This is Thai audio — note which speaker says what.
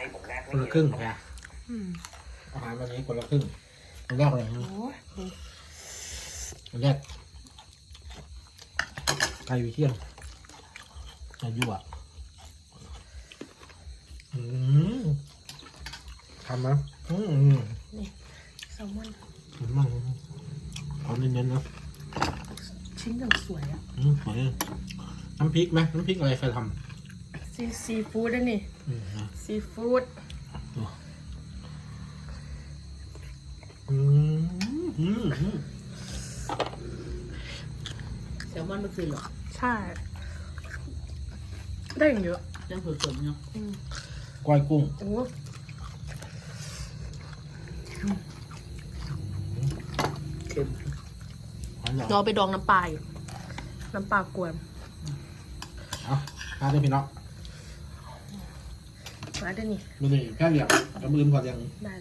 Speaker 1: คนละครึ่งค่ะอาหารวันนี้คนละครึ่งอันแรกอะไรนะอันแรกไก่วิเทียนจะยั่วทำนะ
Speaker 2: นี่แซลมอน
Speaker 1: มันเอาเน้นๆนะ
Speaker 2: ชิ้นอย่างสวยอ่ะ
Speaker 1: สวยน้ำพริกไหมน้ำพริกอะไรใครท
Speaker 2: ำซีฟู้ดด้วยนี่ซีฟู้ด
Speaker 3: แซลมอนเมื่อคืนหรอ
Speaker 2: ใช่ได้อย่างเยอะ
Speaker 3: ยังสดๆเนาะ
Speaker 1: ก้อยกุ้ง
Speaker 2: โอ้
Speaker 3: เค็ม
Speaker 2: เราไปดองน้ำปลาอยู่น้ำปลากวน
Speaker 1: เอาทานได้พี่น้อง
Speaker 2: มาได้นี่
Speaker 1: ดูนี่แค่เหลี่ยมกระมือพอยัง
Speaker 2: ได้